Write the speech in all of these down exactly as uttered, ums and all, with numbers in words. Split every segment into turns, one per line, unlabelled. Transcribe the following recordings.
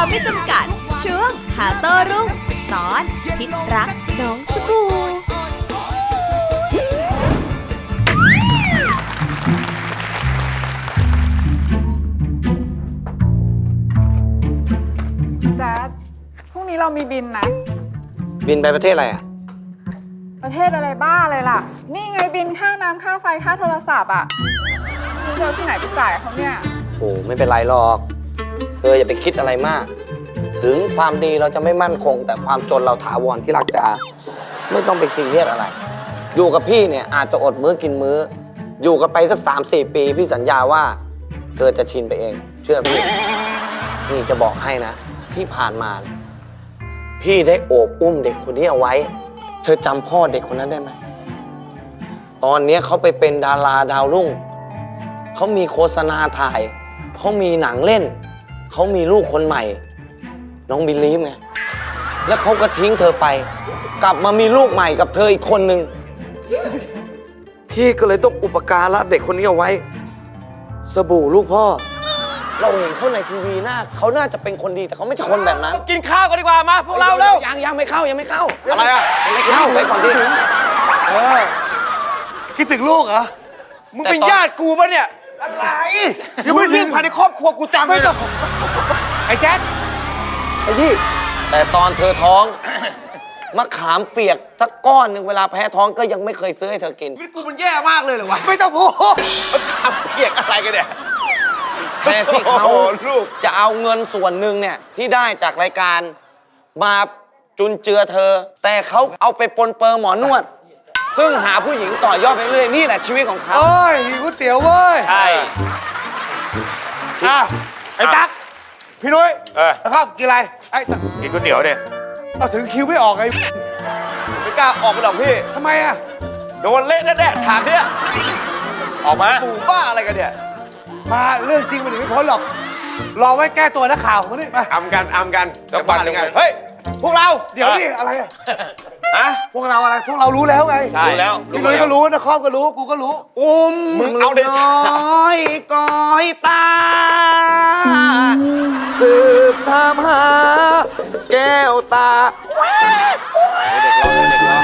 ไม่จำกัดช่วงหาโต้รุ่งตอนพิษรักน้องสบู่
แจ๊ดพรุ่งนี้เรามีบินนะ
บินไปประเทศอะไรอ่ะ
ประเทศอะไรบ้าเลยล่ะนี่ไงบินค่าน้ำค่าไฟค่าโทรศัพท์อ่ะคุณจะเอาที่ไหนไปจ่ายเขาเนี่ย
โอ้ไม่เป็นไรหรอกเธออย่าไปคิดอะไรมากถึงความดีเราจะไม่มั่นคงแต่ความจนเราถาวรที่รักจ๋าไม่ต้องไปซีเรียสอะไรอยู่กับพี่เนี่ยอาจจะอดมื้อกินมื้ออยู่กันไปสักสามสี่ปีพี่สัญญาว่าเธอจะชินไปเองเชื่อพี่นี่จะบอกให้นะที่ผ่านมาพี่ได้โอบอุ้มเด็กคนนี้เอาไว้เธอจำพ่อเด็กคนนั้นได้ไหมตอนนี้เขาไปเป็นดาราดาวรุ่งเขามีโฆษณาถ่ายเขามีหนังเล่นเขามีลูกคนใหม่น้องบิลลีฟไงแล้วเขาก็ทิ้งเธอไปกลับมามีลูกใหม่กับเธออีกคนนึงพี่ก็เลยต้องอุปการะเด็กคนนี้เอาไว้สบู่ลูกพ่อเราเห็นเขาในทีวีหน้าเขาน่าจะเป็นคนดีแต่เขาไม่ใช่คนแบบนั้น
กินข้าวกันดีกว่ามาพวกเราเร็ว
ยังยังไม่เข้ายังไม่เข้า
อะไรอ่ะ
ไม่เข้าไปก่อนดิ
เออคิดถึงลูกเหรอมึงเป็นญาติกูปะเนี่ยอะไรยังไม่ถึงภายในครอบครัวกูจำเลยไอ้แจ๊คไอ้ยี่
แต่ตอนเธอท้องมะขามเปียกสักก้อนหนึ่งเวลาแพ้ท้องก็ยังไม่เคยซื้อให้เธอกิน
ชีวิตกูมันแย่มากเลยเหรอวะไม่ต้องพูดมะขามเปียกอะไรกันเนี่ย
แค่ที่เขาจะเอาเงินส่วนหนึ่งเนี่ยที่ได้จากรายการมาจุนเจือเธอแต่เขาเอาไปปนเปื้อนหมอนวดซึ่งหาผู้หญิงต่อยอดไปเรื่อยนี่แหละชีวิตของเขา
โอ้ยหิวก๋วยเตี๋ยวเว้ยใช่อ่ะไอ้ตั๊กพี่นุ้ยเออแล้วข้าวกินอะไรไอ้กินก๋วยเตี๋ยวเนี่ยเอาถึงคิวไม่ออกไงไม่กล้าออกไปหรอกพี่ทำไมอ่ะโดนเละแน่ๆฉากเนี้ยออกมาปู่บ้าอะไรกันเนี่ยมาเรื่องจริงมันหนีไม่พ้นหรอกรอไว้แก้ตัวนักข่าวมานี่มาอำกันอำกันจะบ้ายังไงเฮ้ยพวกเราเดี๋ยวนี่อะไรอะฮะพวกเราอะไรพวกเรารู้แล้วไงใช่รู้แล้วพี่นุ้ยก็รู้นะครอบก็รู้กูก็รู้อุ้มมึงเอาเดชะ
ก้อยก้อยตาสืบตามหาแก้วตา
เด็กร้องเด็กร้อง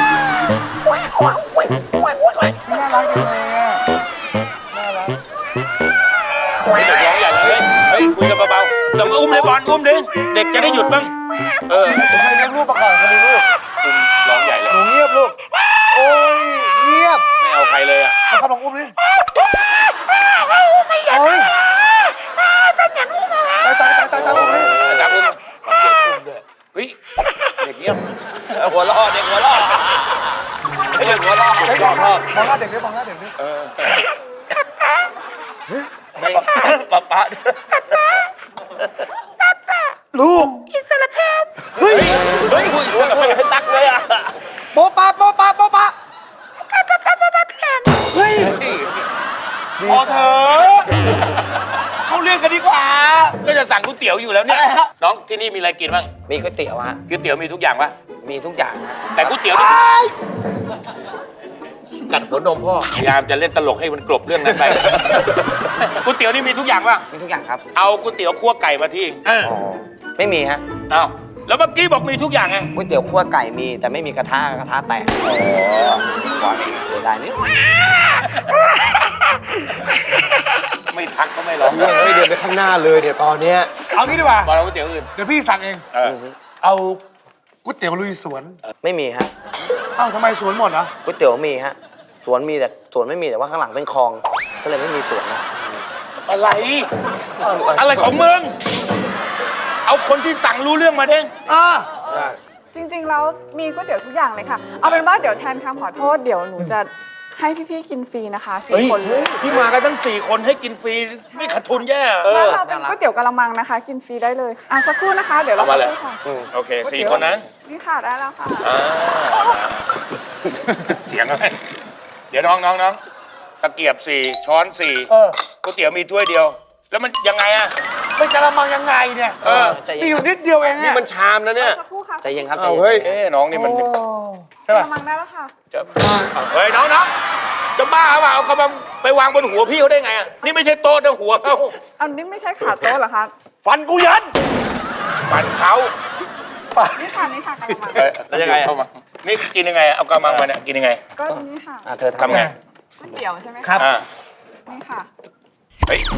น่ารักจังเลยอ่ะน่ารักเด็กร้องใหญ่เลยเฮ้ยคุยกันเบาๆต้องอุ้มเลยบอลอุ้มดิเด็กจะได้หยุดบ้างเออผมให้เลี้ยงลูกประกอบคนนี้ลูกอุ้มร้องใหญ่เลยหนูเงียบลูกโอ้ยเงียบไม่เอาใครเลยอ่ะมาครับลองอุ้มดิโอ้ยตายตายตายตายตายอุ้มดิตายอุ้มเด็กอุ้มด้วยเฮ้ยเด็กเงียบหัวล้อเด็กหัวล้อเด็กหัวล้อเด็กชอบมองหน้าเด็กดิมองหน้าเด็กดิเออไม่ป๊าป๊าลูกอิสระเพศเฮ้ยเฮ้ยอิสระเพศตักเลยอ่ะโป๊ะป๊าโป๊ะป๊าโป๊ะป๊าเฮ้ยพอเถอะเข้าเรื่องกันดีกว่าก็จะสั่งก๋วยเตี๋ยวอยู่แล้วเนี่ยน้องที่นี่มีอะไรกินบ้าง
มีก๋วยเตี๋ยวฮะ
ก๋วยเตี๋ยวมีทุกอย่างปะ
มีทุกอย่าง
แต่ก๋วยเตี๋ยวกัดหัวนมพ่อพยายามจะเล่นตลกให้มันกลบเรื่องนั้นไปก๋วยเตี๋ยวนี่มีทุกอย่างปะ
มีทุกอย่างครับ
เอาก๋วยเตี๋ยวคั่วไก่มาที่
ไม่มีฮะ
อ้าวแล้วเมื่อกี้บอกมีทุกอย่างไง
ก๋วยเตี๋ยวคั่วไก่มีแต่ไม่มีกระทะกระทะแตกอ๋อก่อนเสียดายนิด
ไม่ทักก็ไม่ร้อง
ไม่เดินไปข้างหน้าเลยเดี๋ยวตอนนี้
เอางี้ดีกว่าบอกเราก๋วยเตี๋ยวอื่นเดี๋ยวพี่สั่งเองเอาก๋วยเตี๋ยวลุยสวน
ไม่มีฮะ
อ้าวทำไมสวนหมดอ่ะ
ก๋วยเตี๋ยวมีฮะสวนมีแต่สวนไม่มีแต่ว่าข้างหลังเป็นคลองก็เลยไม่มีสวนนะ
อะไรอะไรของมึงเอาคนที่สั่งรู้เรื่องมาเด้งอ่า
จริงๆแล้วมีก๋วยเตี๋ยวทุกอย่างเลยค่ะเอาเป็นว่าเดี๋ยวแทนคำขอโทษเดี๋ยวหนูจะให้พี่ๆกินฟรีนะคะสี่คน
พี่มากันตั้งสี่คนให้กินฟรีไม่ขาดทุนแย่
บ้านเราเป็นก๋วยเตี๋ยวกะละมังนะคะกินฟรีได้เลยอ่ะสักครู่นะคะเดี๋ยวเรา
มาเลยโอเคสี่คนนะ
นี่ค่ะได้แล้วค่ะ
เสียงอะไรเดี๋ยวน้องน้องน้องตะเกียบสี่ช้อนสี่ก๋วยเตี๋ยวมีถ้วยเดียวแล้วมันยังไงอะไม่กะละมังยังไงเนี่ยเออมีอยู่นิดเดียวเอง
นี่มันชามนะเนี่ย
สักครู่ค่ะ
ใจเย็นครับ
เฮ้ยน้องนี่มัน
ใช่ป่ะกะละมังได้แล้วค่ะ
เฮ้ยน้องน้องจะบ้าเปล่าเอากระมังไปวางบนหัวพี่เขาได้ไงอ่ะนี่ไม่ใช่โต๊ะนะหัวเขา
อันนี้ไม่ใช่ขาโต๊ะเหรอคะ
ฟันกูยันปั่นเขา
นี่ค่ะนี่ค่ะกระมัง
เอ้ยแล้วยังไงเข้ามานี่กินยังไง เอากระมังมาเนี่ยกินยังไง
ก็นี่ค่ะ
อ่ะเธอ
ทำไง
ก๋วยเตี๋ยวใช่ไหม
ครั
คะ
บ
อ่า
นี่ค่ะ
เฮ้ย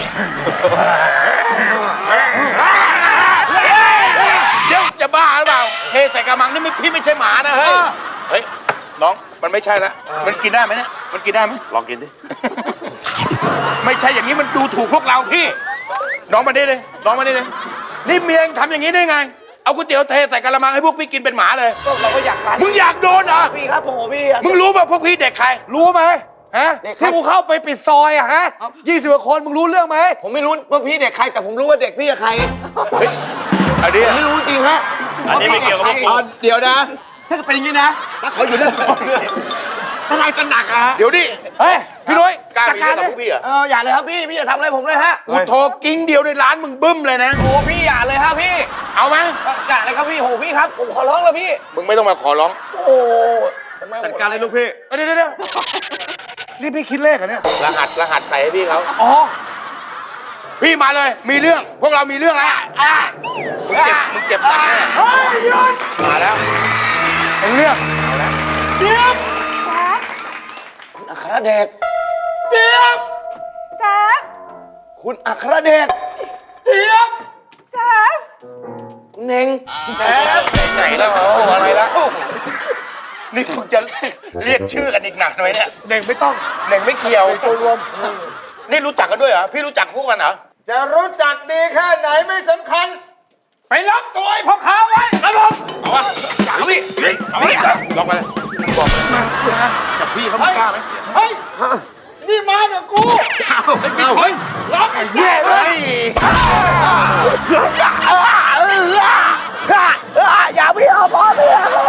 เดี๋ยวจะบ้าหรือเปล่า เทใส่กระมังนี่ไม่พี่ไม่ใช่หมานะเฮ้ย เฮ้ย น้อง มันไม่ใช่ละ มันกินได้ไหมเนี่ย มันกินได้ไหมลองกินดิ ไม่ใช่อย่างนี้มันดูถูกพวกเราพี่ น้องมาดิเลย น้องมาดิเลย นี่เมียงทำอย่างนี้ได้ไง เอาก๋วยเตี๋ยวเทใส่กระมังให้พวกพี่กินเป็นหมาเลย
ก็เราก็อยากกัน
มึงอยากโดนเหรอ
พี่ครับผมพี่
มึงรู้ป่ะพวกพี่เด็กใคร
รู้ไหมฮะ
เด็กใคร
ที่กูเข้าไปปิดซอยอะฮะยี่สิบกว่าคนมึงรู้เรื่องไหม
ผมไม่รู้ว่าพี่เด็กใครแต่ผมรู้ว่าเด็กพี่กับใคร
อันนี้
ผมไม่รู้จริงฮะ
อันนี้ไม่เกี่ยวกับพวกผม
เดี๋ยวนะ ถ้าเกิดเป็นอย่างนี้นะถ้าขออยู่เรื่องก่อนเลยถ้าทางจะหนักอะฮะ
เดี๋ยวดิ
เฮ้ย
พี่นุ้ยกล้ามีเรื่องกับพวกพี่เหรอ
เอออย่าเลยครับพี่พี่อย่าทำอะไรผมเลยฮะ
กูโทรกิ้งเดียวในร้านมึงบึ้มเลยนะ
โอ้พี่อย่าเลยฮะพี่
เอาไหม
อย่าเลยครับพี่โหพี่ครับผมขอร้องแล้วพี่
มึงไม่ต้องมาขอร้อง
โอ้ทำไม
จัดการเลยลูกพี่เดี๋ยวเดี๋ยวเดี๋ยวนี่พี่คิดเลขเหรอเนี่ย
รหัสรหัสใส่ให้พี่เขา
อ๋อ
พี่มาเลย มีเรื่อง พวกเรามีเรื่องแล้วอ่ะมึงเจ็บ มึงเจ็บหนักแน่
เฮ้ยหยุด
มาแล้ว
เป็นเรื่องเจี๊ยบ
คุณอัครเดช
เจี๊ยบ
แจ๊ด
คุณอัครเดช
เจี๊ยบ
แจ๊ด
คุณเน่ง
แหมไหนแล้วโอ้อะไรแล้ว นี่มึงจะเรียกชื่อกันอีกหนักไหมเนี่ย
เด็กไม่ต้อง
หนึ่งไม่เกี่ยว
ตัวรวม
นี่รู้จักกันด้วยเหรอ พี่รู้จักพวกมันเหรอ
จะรู้จักดีแค่ไหนไม่สำคัญ ไปล็อกตัวไอ้พ่อค้าไว้ครับผม
เอาวะเอาดิเฮ้ยเอาดิลองไปเลยบอกมาจับพี่เขาไม่กล้าไหม
เฮ้ย นี่มากับกู
เอาไม่เอาเฮ้ย
ล็อกไอ้
เย้เลย
อย่าพี่เอาพ่อพี่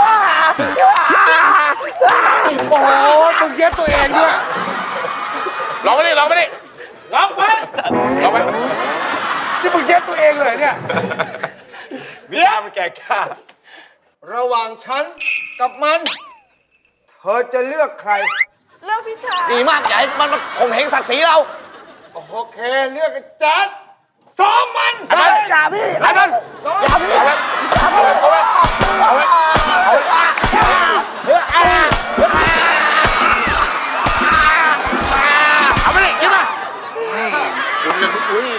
โอ้โหมึงเย็บตัวเองด้วย
ลองไปดิลองไปดิ
ล็อกไว้
ลองไป
นี่มึงเย็บตัวเองเลยเนี่ยวิชามันแก่กล้าระหว่างฉันกับมัน เธอจะเลือกใคร
เลือกพี่แจ๊ด
ดีมากใหญ่มันมันข่มเหงศักดิ์ศรีเรา
โอเค เลือกไอ้จัดซ้อมมัน
เอาไป
อย่าพี่
เอาไปเอาไปเอาไปเอาไปเอาไปเอาไปดิกินมาอุ้ย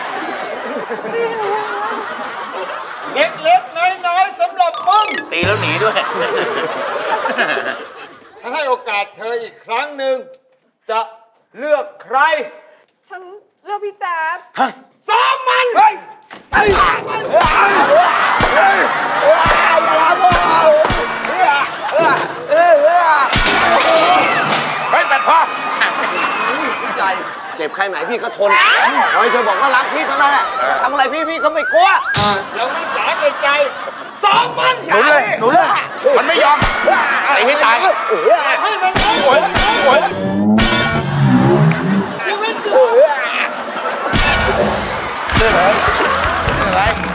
เล็กๆน้อยๆสำหรับมึง
ตีแล้วหนีด้วย
ฉันให้โอกาสเธออีกครั้งหนึ่ง จะเลือกใคร
ฉันเลือกพี่แจ๊ด
ซ้อมมันเฮ้ยไอ้
เฮ้ยแบตพอ
เจ็บใครไหนพี่ก็ทนขอให้เธอบอกว่ารักพี่เท่านั้นแหละทำอะไรพี่พี่ก็ไม่กลัว
ยังไม่สาแก่ใจซ้อมมัน
หนูเลยหนูเลย
มันไม่ยอมตีให้ตาย
ให้มัน
โอ้ยโอ้ย
ชีวิต
อะไร